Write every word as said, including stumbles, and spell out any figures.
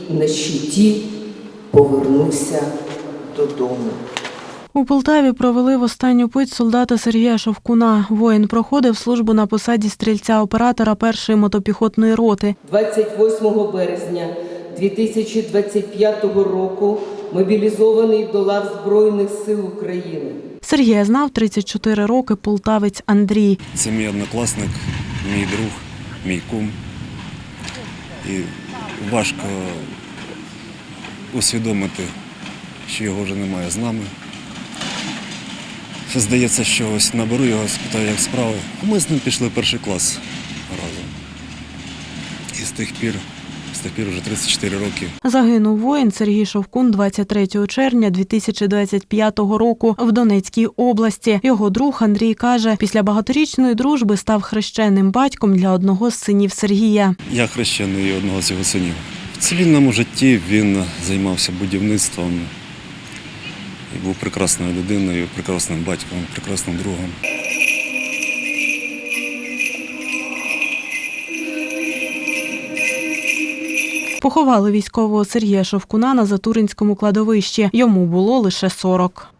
на щиті повернувся додому. У Полтаві провели в останню путь солдата Сергія Шовкуна. Воїн проходив службу на посаді стрільця-оператора першої мотопіхотної роти. двадцять восьмого березня дві тисячі двадцять п'ятого року мобілізований до лав Збройних сил України. Сергія знав тридцять чотири роки полтавець Андрій. Це мій однокласник, мій друг, мій кум. І важко усвідомити, що його вже немає з нами. Здається, що ось наберу його, спитаю, як справи. Ми з ним пішли в перший клас разом. І з тих пір, з тих пір вже тридцять чотири роки. Загинув воїн Сергій Шовкун двадцять третього червня дві тисячі двадцять п'ятого року в Донецькій області. Його друг Андрій каже, після багаторічної дружби став хрещеним батьком для одного з синів Сергія. Я хрещений одного з його синів. В цивільному житті він займався будівництвом. І був прекрасною людиною, прекрасним батьком, прекрасним другом. Поховали військового Сергія Шовкуна на Затуринському кладовищі. Йому було лише сорок.